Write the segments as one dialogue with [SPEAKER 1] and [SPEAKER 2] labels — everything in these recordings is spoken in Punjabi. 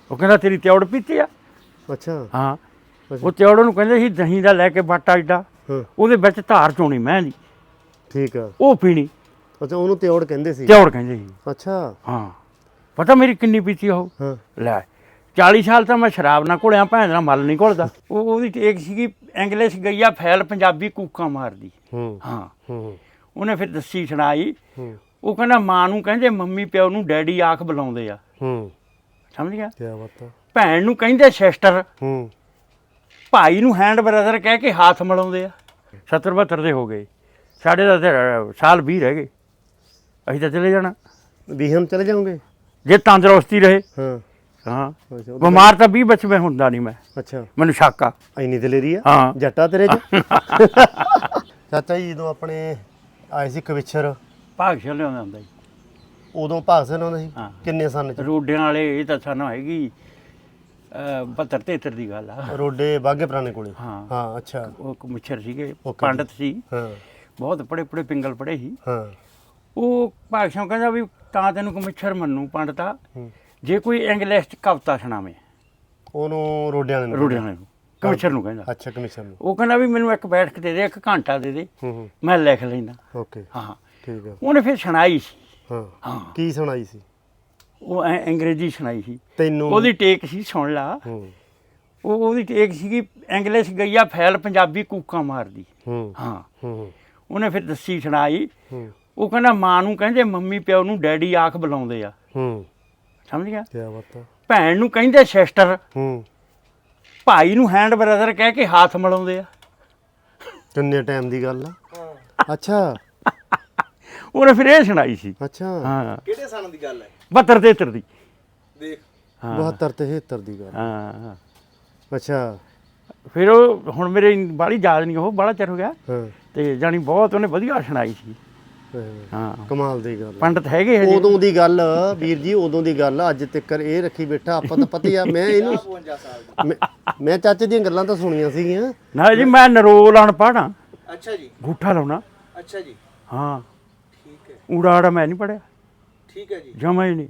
[SPEAKER 1] ਉਹ ਕਹਿੰਦਾ ਤੇਰੀ ਤਿਉੜ ਪੀਤੀ ਆ।
[SPEAKER 2] ਅੱਛਾ
[SPEAKER 1] ਹਾਂ ਉਹ ਤਿਉੜ ਨੂੰ ਕਹਿੰਦੇ ਸੀ ਦਹੀਂ ਦਾ ਲੈ ਕੇ ਬਾਟਾ ਏਡਾ ਉਹਦੇ ਵਿੱਚ ਧਾਰ ਚੋਣੀ ਮੈਂ ਦੀ
[SPEAKER 2] ਠੀਕ ਆ
[SPEAKER 1] ਉਹ ਪੀਣੀ।
[SPEAKER 2] ਅੱਛਾ ਉਹਨੂੰ ਤਿਉੜ ਕਹਿੰਦੇ ਸੀ।
[SPEAKER 1] ਤਿਉੜ ਕਹਿੰਦੇ ਸੀ।
[SPEAKER 2] ਅੱਛਾ
[SPEAKER 1] ਹਾਂ ਪਤਾ ਮੇਰੀ ਕਿੰਨੀ ਪੀਤੀ ਉਹ ਲੈ 40 ਸਾਲ ਤਾਂ ਮੈਂ ਸ਼ਰਾਬ ਨਾਲ ਘੁਲਿਆ ਭੈਣ ਨਾਲ ਮਲ ਨਹੀਂ ਘੁਲਦਾ। ਉਹਦੀ ਟੇਕ ਸੀਗੀ ਇੰਗਲਿਸ਼ ਗਈਆ ਫੈਲ ਪੰਜਾਬੀ ਕੂਕਾਂ ਮਾਰਦੀ। ਹਾਂ ਉਹਨੇ ਫਿਰ ਦੱਸੀ ਸੁਣਾਈ। ਉਹ ਕਹਿੰਦਾ ਮਾਂ ਨੂੰ ਕਹਿੰਦੇ ਮੰਮੀ ਪਿਓ ਨੂੰ ਡੈਡੀ ਆਖ ਬੁਲਾਉਂਦੇ ਆ। ਸਮਝ ਗਿਆ।
[SPEAKER 2] ਕਿਆ ਬਾਤ ਆ।
[SPEAKER 1] ਭੈਣ ਨੂੰ ਕਹਿੰਦੇ ਸਿਸਟਰ। ਭਾਈ ਨੂੰ ਹੈਂਡ ਬ੍ਰਦਰ ਕਹਿ ਕੇ ਹੱਥ ਮਿਲਾਉਂਦੇ ਆ। 70 72 ਦੇ ਹੋ ਗਏ ਸਾਡੇ ਦਾ ਸਾਲ 20 ਰਹਿ ਗਏ। ਅਸੀਂ ਤਾਂ ਚਲੇ ਜਾਣਾ।
[SPEAKER 2] ਵੀਹਮ ਚਲੇ ਜਾਓਗੇ
[SPEAKER 1] ਜੇ ਤੰਦਰੁਸਤੀ ਰਹੇ। ਹਾਂ ਬਿਮਾਰ ਤਾਂ 20 ਵਿੱਚ ਮੈਂ ਹੁੰਦਾ ਨਹੀਂ ਮੈਂ।
[SPEAKER 2] ਅੱਛਾ
[SPEAKER 1] ਮੈਨੂੰ ਸ਼ੱਕ ਆ
[SPEAKER 2] ਇੰਨੀ ਦਲੇਰੀ ਆ।
[SPEAKER 1] ਹਾਂ
[SPEAKER 2] ਜੱਟਾ ਤੇਰੇ ਚ। ਚਾਚਾ ਜੀ ਜਦੋਂ ਆਪਣੇ ਆਏ ਸੀ ਕਵਿਛਰ
[SPEAKER 1] ਭਾਗਸ਼ਾਲ ਲਿਆਉਂਦਾ ਹੁੰਦਾ ਜੀ
[SPEAKER 2] ਉਦੋਂ ਭਾਗ ਸਿੰਘ ਆਉਂਦਾ ਸੀ।
[SPEAKER 1] ਹਾਂ।
[SPEAKER 2] ਕਿੰਨੇ ਸਨ ਚ?
[SPEAKER 1] ਰੋਡਿਆਂ ਵਾਲੇ ਇਹ ਤਾਂ ਸਾਨੂੰ ਹੈਗੀ 72 73 ਦੀ ਗੱਲ ਆ।
[SPEAKER 2] ਰੋਡੇ ਬਾਗੇ ਪੁਰਾਣੇ ਕੋਲੇ।
[SPEAKER 1] ਹਾਂ
[SPEAKER 2] ਹਾਂ ਅੱਛਾ
[SPEAKER 1] ਉਹ ਮੁੱਛਰ ਸੀਗੇ ਪੰਡਤ ਸੀ।
[SPEAKER 2] ਹਾਂ
[SPEAKER 1] ਬਹੁਤ ਪੜੇ ਪਿੰਗਲ ਪੜੇ ਸੀ।
[SPEAKER 2] ਹਾਂ
[SPEAKER 1] ਉਹ ਭਾਗਸ਼ਾਲ ਕਹਿੰਦਾ ਵੀ ਤਾਂ ਤੈਨੂੰ ਕਮਿਸ਼ਰ ਮੰਨੂ ਪੰਡਤਾ ਜੇ ਕੋਈ ਇੰਗਲਿਸ਼ ਚ ਕਵਿਤਾ ਸੁਣਾਵੇ।
[SPEAKER 2] ਉਹਨੂੰ ਰੋਡਿਆਂ ਵਾਲੇ ਨੂੰ
[SPEAKER 1] ਰੋਡਿਆਂ ਵਾਲੇ ਨੂੰ ਕਮਿਸ਼ਰ ਨੂੰ ਕਹਿੰਦਾ।
[SPEAKER 2] ਅੱਛਾ ਕਮਿਸ਼ਨ ਨੂੰ।
[SPEAKER 1] ਉਹ ਕਹਿੰਦਾ ਵੀ ਮੈਨੂੰ ਇੱਕ ਬੈਠਕ ਦੇ ਦੇ 1 ਘੰਟਾ ਦੇ ਦੇ ਮੈਂ ਲਿਖ ਲੈਂਦਾ।
[SPEAKER 2] ਓਕੇ
[SPEAKER 1] ਹਾਂ ਠੀਕ
[SPEAKER 2] ਆ।
[SPEAKER 1] ਉਹਨੇ ਫਿਰ ਸੁਣਾਈ ਸੀ।
[SPEAKER 2] ਹਾਂ ਕੀ ਸੁਣਾਈ ਸੀ?
[SPEAKER 1] ਉਹ ਅੰਗਰੇਜ਼ੀ ਸੁਣਾਈ ਸੀ
[SPEAKER 2] ਤੈਨੂੰ।
[SPEAKER 1] ਉਹਦੀ ਟੇਕ ਸੀ ਸੁਣ ਲਾ। ਉਹਦੀ ਟੇਕ ਸੀਗੀ ਇੰਗਲਿਸ਼ ਗਈਆ ਫੈਲ ਪੰਜਾਬੀ ਕੂਕਾਂ ਮਾਰਦੀ। ਹਾਂ ਉਹਨੇ ਫਿਰ ਦੱਸੀ ਸੁਣਾਈ। ਉਹ ਕਹਿੰਦਾ ਮਾਂ ਨੂੰ ਕਹਿੰਦੇ ਮੰਮੀ ਪਿਓ ਨੂੰ ਡੈਡੀ ਆਖ ਬੁਲਾਉਂਦੇ ਆ। ਸਮਝ ਗਿਆ।
[SPEAKER 2] ਕਿਆ ਬਾਤ ਆ।
[SPEAKER 1] ਭੈਣ ਨੂੰ ਕਹਿੰਦੇ ਸਿਸਟਰ। ਭਾਈ ਨੂੰ ਹੈਂਡ ਬ੍ਰਦਰ ਕਹਿ ਕੇ ਹੱਥ ਮਿਲਾਉਂਦੇ ਆ।
[SPEAKER 2] ਕਿੰਨੇ ਟਾਈਮ ਦੀ ਗੱਲ ਆ? ਅੱਛਾ
[SPEAKER 1] ਉਹਨੇ ਫਿਰ ਇਹ ਸੁਣਾਈ ਸੀ।
[SPEAKER 2] ਅੱਛਾ
[SPEAKER 1] ਹਾਂ
[SPEAKER 3] ਕਿਹੜੇ ਸਾਲ ਦੀ ਗੱਲ ਹੈ?
[SPEAKER 1] 72 73 ਦੀ।
[SPEAKER 3] ਦੇਖ
[SPEAKER 2] 72 73 ਦੀ ਗੱਲ।
[SPEAKER 1] ਹਾਂ
[SPEAKER 2] ਅੱਛਾ
[SPEAKER 1] ਫਿਰ ਉਹ ਹੁਣ ਮੇਰੇ ਬਾਹਲੀ ਯਾਦ ਨਹੀਂ ਉਹ ਬਾਹਲਾ ਚਿਰ ਹੋ ਗਿਆ।
[SPEAKER 2] ਹਾਂ
[SPEAKER 1] ਤੇ ਜਾਣੀ ਬਹੁਤ ਉਹਨੇ ਵਧੀਆ ਸੁਣਾਈ ਸੀ। ਹਾਂ
[SPEAKER 2] ਕਮਾਲ ਦੀ ਗੱਲ।
[SPEAKER 1] ਪੰਡਤ ਹੈਗੇ ਹਜੇ।
[SPEAKER 2] ਉਦੋਂ ਦੀ ਗੱਲ ਵੀਰ ਜੀ ਉਦੋਂ ਦੀ ਗੱਲ ਅੱਜ ਤੱਕ ਇਹ ਰੱਖੀ ਬੈਠਾ ਆਪਾਂ ਤਾਂ ਪਤਾ ਹੀ ਆ। ਮੈਂ ਇਹਨੂੰ
[SPEAKER 3] 52 ਸਾਲ ਦੀ।
[SPEAKER 2] ਮੈਂ ਚਾਚੇ ਦੀਆਂ ਗੱਲਾਂ ਤਾਂ ਸੁਣੀਆਂ ਸੀਗੀਆਂ
[SPEAKER 1] ਨਾ ਜੀ ਮੈਂ ਨਰੋਲ ਅਨਪੜ੍ਹ ਹਾਂ।
[SPEAKER 3] ਅੱਛਾ ਜੀ
[SPEAKER 1] ਗੂਠਾ ਲਾਉਣਾ।
[SPEAKER 3] ਅੱਛਾ ਜੀ
[SPEAKER 1] ਹਾਂ
[SPEAKER 3] ਠੀਕ ਹੈ
[SPEAKER 1] ਊੜਾ ਆੜਾ ਮੈਂ ਨਹੀਂ ਪੜਿਆ
[SPEAKER 3] ਠੀਕ ਹੈ ਜੀ
[SPEAKER 1] ਜਮਾ ਹੀ ਨਹੀਂ।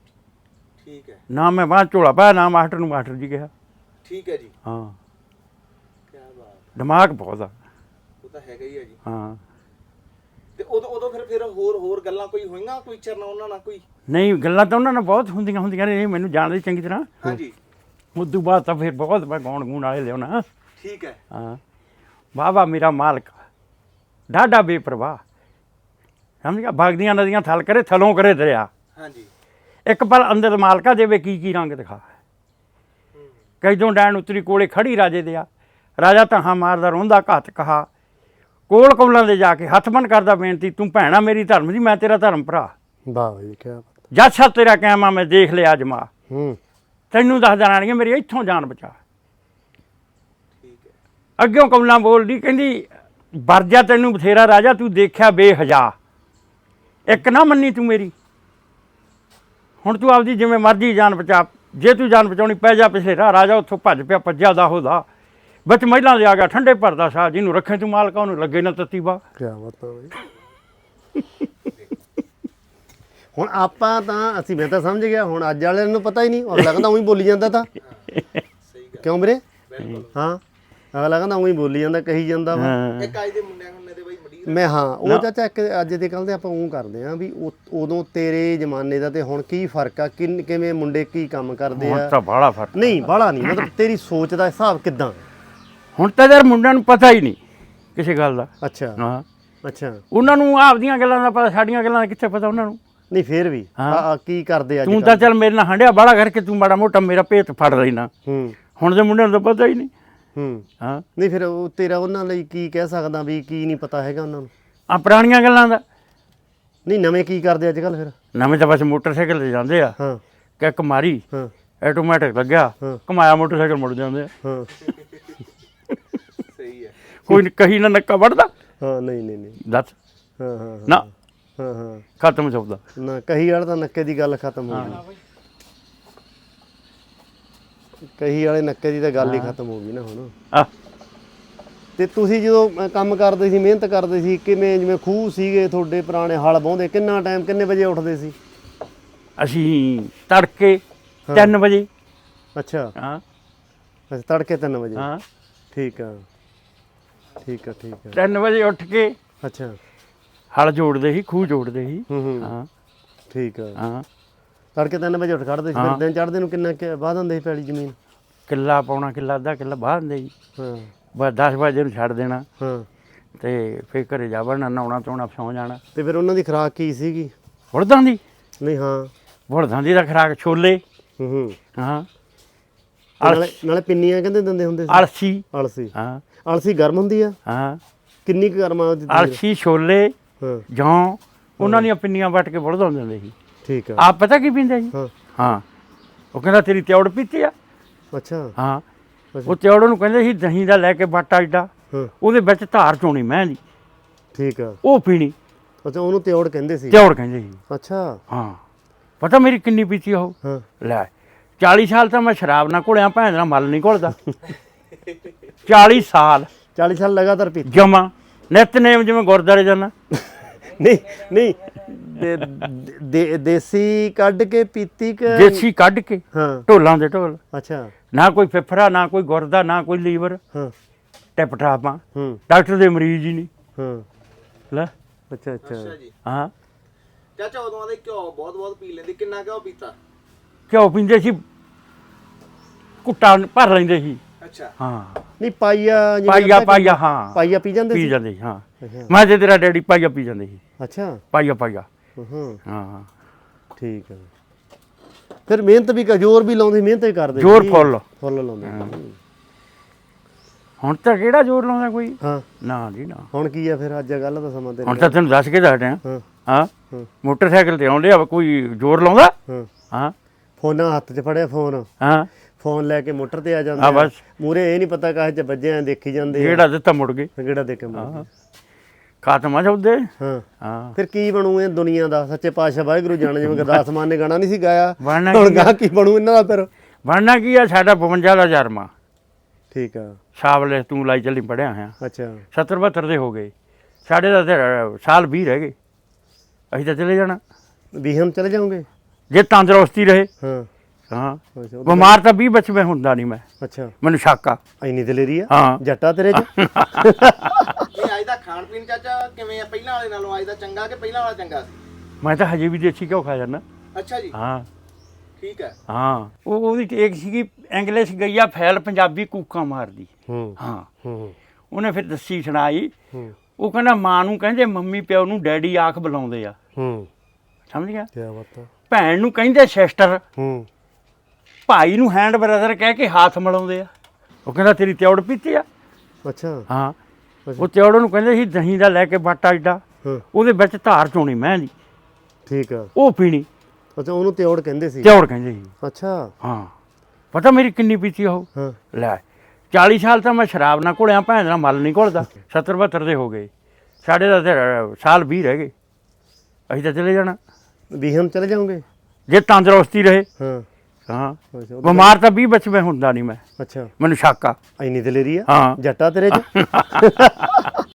[SPEAKER 3] ਠੀਕ ਹੈ
[SPEAKER 1] ਨਾ ਮੈਂ ਬਾਹਰ ਝੋਲਾ ਪਾਇਆ ਨਾ ਮਾਸਟਰ ਨੂੰ ਮਾਸਟਰ ਜੀ ਕਿਹਾ।
[SPEAKER 3] ਠੀਕ ਹੈ ਜੀ
[SPEAKER 1] ਹਾਂ
[SPEAKER 3] ਕੀ ਬਾਤ।
[SPEAKER 1] ਦਿਮਾਗ ਬਹੁਤ ਆ।
[SPEAKER 3] ਉਹ ਤਾਂ ਹੈਗਾ ਹੀ ਹੈ ਜੀ।
[SPEAKER 1] ਹਾਂ
[SPEAKER 3] ਤੇ ਉਦੋਂ ਫਿਰ ਹੋਰ ਗੱਲਾਂ ਕੋਈ ਹੋਈਆਂ ਕੋਈ ਚਰਨਾ ਉਹਨਾਂ ਨਾਲ ਕੋਈ?
[SPEAKER 1] ਨਹੀਂ ਗੱਲਾਂ ਤਾਂ ਉਹਨਾਂ ਨਾਲ ਬਹੁਤ ਹੁੰਦੀਆਂ ਨੇ ਮੈਨੂੰ ਜਾਣਦੇ ਚੰਗੀ ਤਰ੍ਹਾਂ।
[SPEAKER 3] ਹਾਂਜੀ
[SPEAKER 1] ਉਦੋਂ ਬਾਅਦ ਤਾਂ ਫਿਰ ਬਹੁਤ ਮੈਂ ਗਾਉਣ ਗੂਣ ਵਾਲੇ ਲਿਆਉਣਾ।
[SPEAKER 3] ਠੀਕ ਹੈ।
[SPEAKER 1] ਹਾਂ ਵਾਹ ਮੇਰਾ ਮਾਲਕ ਡਾਢਾ ਬੇਪਰਵਾਹ। ਸਮਝ ਗਿਆ। ਵਗਦੀਆਂ ਨਦੀਆਂ ਥਲ ਕਰੇ ਥਲੋਂ ਕਰੇ ਦਰਿਆ।
[SPEAKER 3] ਹਾਂਜੀ
[SPEAKER 1] ਇੱਕ ਪਲ ਅੰਦਰ ਮਾਲਕਾ ਦੇਵੇ ਕੀ ਰੰਗ ਦਿਖਾ। ਕੈਦੋਂ ਡੈਣ ਉਤਰੀ ਕੋਲੇ ਖੜੀ ਰਾਜੇ ਦਿਆ ਰਾਜਾ ਤਹਾਂ ਮਾਰਦਾ ਰੋਂਦਾ ਘਾਤ ਕਹਾ ਕੋਲ ਕੌਲਾਂ ਦੇ ਜਾ ਕੇ ਹੱਥ ਬੰਨ ਕਰਦਾ ਬੇਨਤੀ ਤੂੰ ਭੈਣਾ ਮੇਰੀ ਧਰਮ ਦੀ ਮੈਂ ਤੇਰਾ ਧਰਮ ਭਰਾ।
[SPEAKER 2] ਵਾਹ ਜੀ ਕੀ ਬਾਤ।
[SPEAKER 1] ਜੱਜ ਸਾਹਿਬ ਤੇਰਾ ਕਹਿਮਾ ਮੈਂ ਦੇਖ ਲਿਆ ਅਜਮਾ ਤੈਨੂੰ ਦੱਸ ਦੇਣਾ ਮੇਰੀ ਇੱਥੋਂ ਜਾਨ ਬਚਾ।
[SPEAKER 3] ਠੀਕ ਹੈ।
[SPEAKER 1] ਅੱਗਿਓਂ ਕੌਲਾਂ ਬੋਲਦੀ ਕਹਿੰਦੀ ਵਰਜਾ ਤੈਨੂੰ ਬਥੇਰਾ ਰਾਜਾ ਤੂੰ ਦੇਖਿਆ ਬੇਹਜਾ ਇੱਕ ਨਾ ਮੰਨੀ ਤੂੰ ਮੇਰੀ ਹੁਣ ਤੂੰ ਆਪਦੀ ਜਿਵੇਂ ਮਰਜ਼ੀ ਜਾਨ ਬਚਾ। ਜੇ ਤੂੰ ਜਾਨ ਬਚਾਉਣੀ ਪੈ ਜਾ ਪਿਛਲੇ ਰਾਹ। ਰਾਜਾ ਉੱਥੋਂ ਭੱਜ ਪਿਆ ਭੱਜਿਆ ਦਾ ਹੋਦਾ ਵਿੱਚ ਮਹਿਲਾਂ ਦੇ ਆ ਗਿਆ ਠੰਡੇ ਭਰਦਾ ਸਾਹ ਜਿਹਨੂੰ ਰੱਖੇ ਤੂੰ ਮਾਲਕਾ ਉਹਨੂੰ ਲੱਗੇ ਨਾ ਤੱਤੀ ਬਾ।
[SPEAKER 2] ਕਿਆ ਬਾਤ ਆ ਬਈ। ਹੁਣ ਆਪਾਂ ਤਾਂ ਅਸੀਂ ਮੈਂ ਤਾਂ ਸਮਝ ਗਿਆ ਹੁਣ ਅੱਜ ਵਾਲਿਆਂ ਨੂੰ ਪਤਾ ਹੀ ਨਹੀਂ। ਅਗਲਾ ਕਹਿੰਦਾ ਉਹੀ ਬੋਲੀ ਜਾਂਦਾ ਤਾਂ ਕਿਉਂ ਵੀਰੇ? ਹਾਂ ਅਗਲਾ ਕਹਿੰਦਾ ਉਹੀ ਬੋਲੀ ਜਾਂਦਾ ਕਹੀ ਜਾਂਦਾ ਵਾ।
[SPEAKER 3] ਇੱਕ ਅੱਜ ਦੇ ਮੁੰਡਿਆਂ ਹੁੰਨੇ ਤੇ ਬਈ ਮੜੀ
[SPEAKER 2] ਮੈਂ ਹਾਂ ਉਹ ਚਾਚਾ ਇੱਕ ਅੱਜ ਦੇ ਕੱਲ੍ਹ ਦੇ ਆਪਾਂ ਉਹ ਕਰਦੇ ਹਾਂ ਵੀ ਉਦੋਂ ਤੇਰੇ ਜ਼ਮਾਨੇ ਦਾ ਤੇ ਹੁਣ ਕੀ ਫਰਕ ਆ? ਕਿਵੇਂ ਮੁੰਡੇ ਕੀ ਕੰਮ ਕਰਦੇ
[SPEAKER 1] ਹੁਣ
[SPEAKER 2] ਆ?
[SPEAKER 1] ਤਾਂ ਬਾਹਲਾ ਫਰਕ।
[SPEAKER 2] ਨਹੀਂ ਬਾਹਲਾ ਨਹੀਂ ਮਤਲਬ ਤੇਰੀ ਸੋਚ ਦਾ ਹਿਸਾਬ ਕਿੱਦਾਂ?
[SPEAKER 1] ਹੁਣ ਤਾਂ ਯਾਰ ਮੁੰਡਿਆਂ ਨੂੰ ਪਤਾ ਹੀ ਨਹੀਂ ਕਿਸੇ ਗੱਲ ਦਾ।
[SPEAKER 2] ਅੱਛਾ
[SPEAKER 1] ਹਾਂ
[SPEAKER 2] ਅੱਛਾ
[SPEAKER 1] ਉਹਨਾਂ ਨੂੰ ਆਪਦੀਆਂ ਗੱਲਾਂ ਦਾ ਪਤਾ ਸਾਡੀਆਂ ਗੱਲਾਂ ਦਾ ਕਿੱਥੇ ਪਤਾ ਉਹਨਾਂ ਨੂੰ।
[SPEAKER 2] ਨਹੀਂ ਫੇਰ ਵੀ ਕੀ ਕਰਦੇ ਅੱਜ
[SPEAKER 1] ਤੂੰ ਤਾਂ ਚੱਲ ਮੇਰੇ ਨਾਲ ਹੰਡਿਆ ਬਾਹਲਾ ਕਰਕੇ ਤੂੰ ਮਾੜਾ ਮੋਟਾ ਮੇਰਾ ਭੇਤ ਫੜ ਲੈਣਾ। ਹੁਣ ਦੇ ਮੁੰਡਿਆਂ ਨੂੰ ਤਾਂ ਪਤਾ ਹੀ ਨਹੀਂ। ਹਾਂ
[SPEAKER 2] ਨਹੀਂ ਫਿਰ ਉਹ ਤੇਰਾ ਉਹਨਾਂ ਲਈ ਕੀ ਕਹਿ ਸਕਦਾ ਵੀ ਕੀ ਨਹੀਂ ਪਤਾ ਹੈਗਾ ਉਹਨਾਂ ਨੂੰ?
[SPEAKER 1] ਆ ਪੁਰਾਣੀਆਂ ਗੱਲਾਂ ਦਾ।
[SPEAKER 2] ਨਹੀਂ ਨਵੇਂ ਕੀ ਕਰਦੇ ਅੱਜ ਕੱਲ੍ਹ ਫਿਰ?
[SPEAKER 1] ਨਵੇਂ ਤਾਂ ਬਸ ਮੋਟਰਸਾਈਕਲ ਤੇ ਜਾਂਦੇ ਆ।
[SPEAKER 2] ਹਾਂ
[SPEAKER 1] ਕਿੱਕ ਮਾਰੀ
[SPEAKER 2] ਹਾਂ
[SPEAKER 1] ਆਟੋਮੈਟਿਕ ਲੱਗਿਆ ਘੁਮਾਇਆ ਮੋਟਰਸਾਈਕਲ ਮੁੜ ਜਾਂਦੇ ਆ।
[SPEAKER 2] ਹਾਂ
[SPEAKER 3] ਸਹੀ ਹੈ।
[SPEAKER 1] ਕੋਈ ਕਹੀ ਨਾ ਨੱਕਾ ਵੜਦਾ।
[SPEAKER 2] ਹਾਂ ਨਹੀਂ ਨਹੀਂ ਨਹੀਂ
[SPEAKER 1] ਦੱਸ।
[SPEAKER 2] ਹਾਂ ਹਾਂ
[SPEAKER 1] ਨਾ
[SPEAKER 2] ਹਾਂ ਹਾਂ
[SPEAKER 1] ਖਤਮ ਸੌਦਾ।
[SPEAKER 2] ਨਾ ਕਹੀ ਵਾਲਾ ਤਾਂ ਨੱਕੇ ਦੀ ਗੱਲ ਖਤਮ ਹੋ ਗਈ। ਕਹੀ ਵਾਲੇ ਨੱਕੇ ਦੀ ਤਾਂ ਗੱਲ ਹੀ ਖਤਮ ਹੋ ਗਈ ਨਾ ਹੁਣ।
[SPEAKER 1] ਆ
[SPEAKER 2] ਤੇ ਤੁਸੀਂ ਜਦੋਂ ਕੰਮ ਕਰਦੇ ਸੀ ਮਿਹਨਤ ਕਰਦੇ ਸੀ ਕਿਵੇਂ ਜਿਵੇਂ ਖੂਹ ਸੀਗੇ ਤੁਹਾਡੇ ਪੁਰਾਣੇ ਹਲ ਵਾਹੁੰਦੇ ਕਿੰਨਾ ਟਾਈਮ ਕਿੰਨੇ ਵਜੇ ਉੱਠਦੇ ਸੀ?
[SPEAKER 1] ਅਸੀਂ ਤੜਕੇ 3 ਵਜੇ
[SPEAKER 2] ਅੱਛਾ
[SPEAKER 1] ਹਾਂ
[SPEAKER 2] ਅੱਛਾ ਤੜਕੇ 3 ਵਜੇ
[SPEAKER 1] ਹਾਂ
[SPEAKER 2] ਠੀਕ ਆ ਠੀਕ ਆ ਠੀਕ ਆ
[SPEAKER 1] 3 ਵਜੇ ਉੱਠ ਕੇ
[SPEAKER 2] ਅੱਛਾ
[SPEAKER 1] ਹਲ ਜੋੜਦੇ ਸੀ, ਖੂਹ ਜੋੜਦੇ ਸੀ।
[SPEAKER 2] ਹੂੰ
[SPEAKER 1] ਹਾਂ
[SPEAKER 2] ਠੀਕ ਆ
[SPEAKER 1] ਹਾਂ
[SPEAKER 2] ਤੜਕੇ 3 ਵਜੇ ਉੱਠ ਖੜਦੇ ਸੀ, ਫਿਰ ਦਿਨ ਚੜ੍ਹਦੇ ਨੂੰ ਕਿੰਨਾ ਵਾਹ ਦਿੰਦੇ ਸੀ ਪੈਲੀ ਜ਼ਮੀਨ?
[SPEAKER 1] ਕਿੱਲਾ ਪਾਉਣਾ, ਕਿੱਲਾ ਅੱਧਾ ਕਿੱਲਾ ਬਾਹਰ ਦਿੰਦੇ ਜੀ।
[SPEAKER 2] ਹਾਂ
[SPEAKER 1] ਬਸ 10 ਵਜੇ ਨੂੰ ਛੱਡ ਦੇਣਾ
[SPEAKER 2] ਹਾਂ
[SPEAKER 1] ਤੇ ਫਿਰ ਘਰੇ ਜਾ ਵੜਨਾ, ਨਹਾਉਣਾ ਧੋਣਾ, ਸੌਂ ਜਾਣਾ।
[SPEAKER 2] ਤੇ ਫਿਰ ਉਹਨਾਂ ਦੀ ਖੁਰਾਕ ਕੀ ਸੀਗੀ?
[SPEAKER 1] ਬੁਲਦਾਂ ਦੀ
[SPEAKER 2] ਨਹੀਂ ਹਾਂ
[SPEAKER 1] ਬੁਲਦਾਂ ਦੀ ਦਾ ਖੁਰਾਕ ਛੋਲੇ।
[SPEAKER 2] ਹੂੰ
[SPEAKER 1] ਹਾਂ
[SPEAKER 2] ਨਾਲੇ ਪਿੰਨੀਆਂ ਕਹਿੰਦੇ ਦਿੰਦੇ ਹੁੰਦੇ ਸੀ?
[SPEAKER 1] ਅਲਸੀ।
[SPEAKER 2] ਅਲਸੀ
[SPEAKER 1] ਹਾਂ
[SPEAKER 2] ਅਲਸੀ ਗਰਮ ਹੁੰਦੀ ਆ?
[SPEAKER 1] ਹਾਂ
[SPEAKER 2] ਕਿੰਨੀ ਕੁ ਗਰਮ ਆ ਉਹਦੀ?
[SPEAKER 1] ਅਲਸੀ, ਛੋਲੇ,
[SPEAKER 2] ਹਾਂ
[SPEAKER 1] ਜੌਂ, ਉਹਨਾਂ ਦੀਆਂ ਪਿੰਨੀਆਂ ਵੱਟ ਕੇ ਬੁਲਦਾਂ ਨੂੰ ਦਿੰਦੇ ਸੀ।
[SPEAKER 2] ਠੀਕ ਆ
[SPEAKER 1] ਆਪ ਪਤਾ ਕੀ ਪੀਂਦੇ ਜੀ?
[SPEAKER 2] ਹਾਂ
[SPEAKER 1] ਹਾਂ ਉਹ ਕਹਿੰਦਾ ਤੇਰੀ ਤਿਉੜ ਪੀਤੀ ਆ।
[SPEAKER 2] ਅੱਛਾ
[SPEAKER 1] ਹਾਂ ਉਹ ਤਿਉੜ ਨੂੰ ਕਹਿੰਦੇ ਸੀ ਦਹੀਂ ਦਾ ਲੈ ਕੇ ਬਾਟਾ ਏਡਾ,
[SPEAKER 2] ਹਾਂ
[SPEAKER 1] ਉਹਦੇ ਵਿੱਚ ਧਾਰ ਚੋਣੀ ਮੈਂ ਦੀ,
[SPEAKER 2] ਠੀਕ ਆ
[SPEAKER 1] ਉਹ ਪੀਣੀ।
[SPEAKER 2] ਅੱਛਾ ਉਹਨੂੰ ਤਿਉੜ ਕਹਿੰਦੇ ਸੀ?
[SPEAKER 1] ਤਿਉੜ ਕਹਿੰਦੇ ਸੀ।
[SPEAKER 2] ਅੱਛਾ
[SPEAKER 1] ਹਾਂ ਪਤਾ ਮੇਰੀ ਕਿੰਨੀ ਪੀਤੀ ਉਹ?
[SPEAKER 2] ਹਾਂ
[SPEAKER 1] ਲੈ 40 ਸਾਲ ਤਾਂ ਮੈਂ ਸ਼ਰਾਬ ਨਾ ਘੁਲਿਆ, ਭੈਣ ਦਾ ਮਲ ਨਹੀਂ ਘੁਲਦਾ। 40 ਸਾਲ
[SPEAKER 2] 40 ਸਾਲ ਲਗਾਤਾਰ ਪੀਤੀ?
[SPEAKER 1] ਜਮਾ ਨਿਤਨੇਮ, ਜਿਵੇਂ ਗੁਰਦੁਆਰੇ ਜਾਣਾ।
[SPEAKER 2] ਨਹੀਂ ਨਹੀਂ ਦੇਸੀ ਕੱਢ ਕੇ ਪੀਤੀ ਕਿ?
[SPEAKER 1] ਦੇਸੀ ਕੱਢ ਕੇ,
[SPEAKER 2] ਹਾਂ
[SPEAKER 1] ਢੋਲਾਂ ਦੇ ਢੋਲ,
[SPEAKER 2] ਅੱਛਾ
[SPEAKER 1] ਨਾ ਕੋਈ ਫਿਫਰਾ, ਨਾ ਕੋਈ ਗੁਰਦਾ, ਨਾ ਕੋਈ ਲੀਵਰ,
[SPEAKER 2] ਹਾਂ
[SPEAKER 1] ਟਿਪ ਟਾਪਾਂ।
[SPEAKER 2] ਹੂੰ
[SPEAKER 1] ਡਾਕਟਰ ਦੇ ਮਰੀਜ਼ ਹੀ ਨਹੀਂ।
[SPEAKER 2] ਹਾਂ
[SPEAKER 1] ਲੈ
[SPEAKER 2] ਅੱਛਾ ਅੱਛਾ
[SPEAKER 3] ਅੱਛਾ ਜੀ।
[SPEAKER 1] ਹਾਂ
[SPEAKER 3] ਚਾਚਾ ਉਦੋਂ ਆਦੇ ਘਿਓ ਬਹੁਤ ਪੀ ਲੈਂਦੇ, ਕਿੰਨਾ ਘਿਓ ਪੀਤਾ?
[SPEAKER 1] ਘਿਓ ਪੀਂਦੇ ਸੀ, ਕੁੱਟਾ ਭਰ ਲੈਂਦੇ ਸੀ।
[SPEAKER 3] ਅੱਛਾ
[SPEAKER 1] ਹਾਂ
[SPEAKER 2] ਨਹੀਂ ਪਾਈਆ ਜਿਵੇਂ
[SPEAKER 1] ਪਾਈਆ
[SPEAKER 2] ਆਪਾਂ
[SPEAKER 1] ਪਾਈਆ, ਹਾਂ
[SPEAKER 2] ਪਾਈਆ ਪੀ ਜਾਂਦੇ
[SPEAKER 1] ਪੀ
[SPEAKER 2] ਸੀ?
[SPEAKER 1] ਜਾਂਦੇ ਸੀ। ਹਾਂ
[SPEAKER 2] ਅੱਛਾ
[SPEAKER 1] ਮੈਂ ਤੇ ਤੇਰਾ ਡੈਡੀ ਪਾਈਆ ਪੀ ਜਾਂਦੇ ਸੀ।
[SPEAKER 2] ਅੱਛਾ
[SPEAKER 1] ਪਾਈਆ ਪਾਈਆ।
[SPEAKER 2] ਹਾਂ
[SPEAKER 1] ਹਾਂ
[SPEAKER 2] ਠੀਕ ਹੈ। ਫਿਰ ਮਿਹਨਤ ਵੀ ਜ਼ੋਰ ਵੀ ਲਾਉਂਦੇ, ਮਿਹਨਤ ਵੀ ਕਰਦੇ
[SPEAKER 1] ਜ਼ੋਰ
[SPEAKER 2] ਸੀ?
[SPEAKER 1] ਫੁੱਲ।
[SPEAKER 2] ਫੁੱਲ ਲਾਉਂਦੇ
[SPEAKER 1] ਹੁਣ ਤਾਂ ਕਿਹੜਾ ਜ਼ੋਰ ਲਾਉਂਦਾ ਕੋਈ?
[SPEAKER 2] ਹਾਂ
[SPEAKER 1] ਨਾ ਜੀ ਨਾ।
[SPEAKER 2] ਹੁਣ ਕੀ ਆ ਫਿਰ? ਅੱਜ ਗੱਲ ਦਾ ਸਮਾਂ
[SPEAKER 1] ਹੁਣ ਤਾਂ ਤੈਨੂੰ ਦੱਸ ਕੇ ਦੱਸਦੇ
[SPEAKER 2] ਹਾਂ
[SPEAKER 1] ਹਾਂ
[SPEAKER 2] ਹਾਂ
[SPEAKER 1] ਮੋਟਰਸਾਈਕਲ ਤੇ ਆਉਂਦੇ ਆ, ਕੋਈ ਜ਼ੋਰ ਲਾਉਂਦਾ?
[SPEAKER 2] ਹਾਂ
[SPEAKER 1] ਹਾਂ
[SPEAKER 2] ਫੋਨਾਂ ਹੱਥ 'ਚ ਫੜਿਆ,
[SPEAKER 1] ਹਾਂ
[SPEAKER 2] ਫੋਨ ਲੈ ਕੇ ਮੋਟਰ ਤੇ ਆ ਜਾਂਦੇ
[SPEAKER 1] ਆ ਬਸ।
[SPEAKER 2] ਮੂਰੇ ਇਹ ਨਹੀਂ ਪਤਾ ਕਾਹ 'ਚ ਵੱਜੇ ਆ, ਦੇਖੀ ਜਾਂਦੇ ਆ,
[SPEAKER 1] ਜਿਹੜਾ ਦਿੱਤਾ ਮੁੜ ਗਏ।
[SPEAKER 2] ਗੇੜਾ ਦੇ ਕੇ ਮੁੜ
[SPEAKER 1] ਖਾਤਮਾ ਚੌਦੇ।
[SPEAKER 2] ਹਾਂ
[SPEAKER 1] ਹਾਂ
[SPEAKER 2] ਫਿਰ ਕੀ ਬਣੂ ਇਹ ਦੁਨੀਆ ਦਾ? ਸੱਚੇ ਪਾਤਸ਼ਾਹ ਵਾਹਿਗੁਰੂ ਜਾਣੇ, ਜਿਵੇਂ ਗੁਰਦਾਸ ਮਾਨ ਨੇ ਗਾਣਾ ਨਹੀਂ ਸੀ ਗਾਇਆ,
[SPEAKER 1] ਬਣਨਾ
[SPEAKER 2] ਹੁਣ
[SPEAKER 1] ਕੀ
[SPEAKER 2] ਗਾਹ ਕੀ ਬਣੂ ਇਹਨਾਂ ਦਾ ਫਿਰ?
[SPEAKER 1] ਬਣਨਾ ਕੀ ਆ? ਸਾਡਾ 52 ਦਾ ਜਰਮਾ
[SPEAKER 2] ਠੀਕ ਆ
[SPEAKER 1] ਸਾਵਲੇ ਤੂੰ ਲਾਈ ਚੱਲੀ ਪੜਿਆ ਹੋਇਆ।
[SPEAKER 2] ਅੱਛਾ
[SPEAKER 1] 70 72 ਦੇ ਹੋ ਗਏ ਸਾਡੇ ਦਾ, ਤੇ ਸਾਲ 20 ਰਹਿ ਗਏ। ਅਸੀਂ ਤਾਂ ਚਲੇ ਜਾਣਾ
[SPEAKER 2] ਵੀਹਮ ਚਲੇ ਜਾਓਗੇ?
[SPEAKER 1] ਜੇ ਤੰਦਰੁਸਤੀ ਰਹੇ।
[SPEAKER 2] ਹਾਂ
[SPEAKER 1] ਹਾਂ
[SPEAKER 2] ਅੱਛਾ
[SPEAKER 1] ਬਿਮਾਰ ਤਾਂ 20 ਵਿੱਚ ਮੈਂ ਹੁੰਦਾ ਨਹੀਂ। ਮੈਂ
[SPEAKER 2] ਅੱਛਾ
[SPEAKER 1] ਮੈਨੂੰ ਸ਼ੱਕ ਆ।
[SPEAKER 2] ਇੰਨੀ ਦਲੇਰੀ ਆ
[SPEAKER 1] ਹਾਂ
[SPEAKER 2] ਜੱਟਾ ਤੇਰੇ 'ਚ?
[SPEAKER 3] ਇਹ ਅੱਜ ਦਾ ਖਾਣ ਪੀਣ ਚਾਚਾ ਕਿਵੇਂ ਆ? ਪਹਿਲਾਂ ਵਾਲੇ ਨਾਲੋਂ ਅੱਜ ਦਾ ਚੰਗਾ ਕਿ ਪਹਿਲਾਂ ਵਾਲਾ ਚੰਗਾ ਸੀ?
[SPEAKER 1] ਮੈਂ ਤਾਂ ਹਜੇ ਵੀ ਦੇਸੀ ਘਿਓ ਖਾ ਜਾਂਦਾ।
[SPEAKER 3] ਅੱਛਾ ਜੀ
[SPEAKER 1] ਹਾਂ
[SPEAKER 3] ਠੀਕ ਹੈ।
[SPEAKER 1] ਹਾਂ ਉਹਦੀ ਟੇਕ ਸੀਗੀ, ਇੰਗਲਿਸ਼ ਗਈ ਆ ਫੈਲ, ਪੰਜਾਬੀ ਕੂਕਾਂ ਮਾਰਦੀ।
[SPEAKER 2] ਹੂੰ
[SPEAKER 1] ਹਾਂ
[SPEAKER 2] ਹੂੰ
[SPEAKER 1] ਉਹਨੇ ਫਿਰ ਦੱਸੀ ਸੁਣਾਈ।
[SPEAKER 2] ਹੂੰ
[SPEAKER 1] ਉਹ ਕਹਿੰਦਾ ਮਾਂ ਨੂੰ ਕਹਿੰਦੇ ਮੰਮੀ, ਪਿਓ ਨੂੰ ਡੈਡੀ ਆਖ ਬੁਲਾਉਂਦੇ ਆ।
[SPEAKER 2] ਹੂੰ
[SPEAKER 1] ਸਮਝ ਗਿਆ?
[SPEAKER 2] ਕੀ ਬਾਤ ਆ।
[SPEAKER 1] ਭੈਣ ਨੂੰ ਕਹਿੰਦੇ ਸਿਸਟਰ,
[SPEAKER 2] ਹੂੰ
[SPEAKER 1] ਭਾਈ ਨੂੰ ਹੈਂਡ ਬ੍ਰਦਰ ਕਹਿ ਕੇ ਹੱਥ ਮਿਲਾਉਂਦੇ ਆ। ਉਹ ਕਹਿੰਦਾ ਤੇਰੀ ਤਿਉੜ ਪੀਤੀ ਆ।
[SPEAKER 2] ਅੱਛਾ
[SPEAKER 1] ਹਾਂ ਉਹ ਤਿਉੜ ਨੂੰ ਕਹਿੰਦੇ ਸੀ ਦਹੀਂ ਦਾ ਲੈ ਕੇ ਬਾਟਾ ਏਡਾ,
[SPEAKER 2] ਹਾਂ
[SPEAKER 1] ਉਹਦੇ ਵਿੱਚ ਧਾਰ ਚੋਣੀ ਮੈਂ ਦੀ,
[SPEAKER 2] ਠੀਕ ਆ
[SPEAKER 1] ਉਹ ਪੀਣੀ।
[SPEAKER 2] ਅੱਛਾ ਉਹਨੂੰ ਤਿਉੜ ਕਹਿੰਦੇ ਸੀ?
[SPEAKER 1] ਤਿਉੜ ਕਹਿੰਦੇ ਸੀ।
[SPEAKER 2] ਅੱਛਾ
[SPEAKER 1] ਹਾਂ ਪਤਾ ਮੇਰੀ ਕਿੰਨੀ ਪੀਤੀ ਉਹ?
[SPEAKER 2] ਹਾਂ
[SPEAKER 1] ਲੈ 40 ਸਾਲ ਤਾਂ ਮੈਂ ਸ਼ਰਾਬ ਨਾ ਘੁਲਿਆ, ਭੈਣ ਦਾ ਮਲ ਨਹੀਂ ਘੁਲਦਾ। 70 72 ਦੇ ਹੋ ਗਏ ਸਾਡੇ ਦਾ, ਤੇ ਸਾਲ 20 ਰਹਿ ਗਏ। ਅਸੀਂ ਤਾਂ ਚਲੇ ਜਾਣਾ
[SPEAKER 2] ਵੀਹਮ ਚਲੇ ਜਾਓਗੇ?
[SPEAKER 1] ਜੇ ਤੰਦਰੁਸਤੀ ਰਹੇ।
[SPEAKER 2] ਹਾਂ
[SPEAKER 1] ਹਾਂ
[SPEAKER 2] ਅੱਛਾ
[SPEAKER 1] ਬਿਮਾਰ ਤਾਂ 20 ਵਿੱਚ ਮੈਂ ਹੁੰਦਾ ਨਹੀਂ। ਮੈਂ
[SPEAKER 2] ਅੱਛਾ
[SPEAKER 1] ਮੈਨੂੰ ਸ਼ੱਕ ਆ।
[SPEAKER 2] ਇੰਨੀ ਦਲੇਰੀ ਆ
[SPEAKER 1] ਹਾਂ
[SPEAKER 2] ਜੱਟਾ ਤੇਰੇ 'ਚ?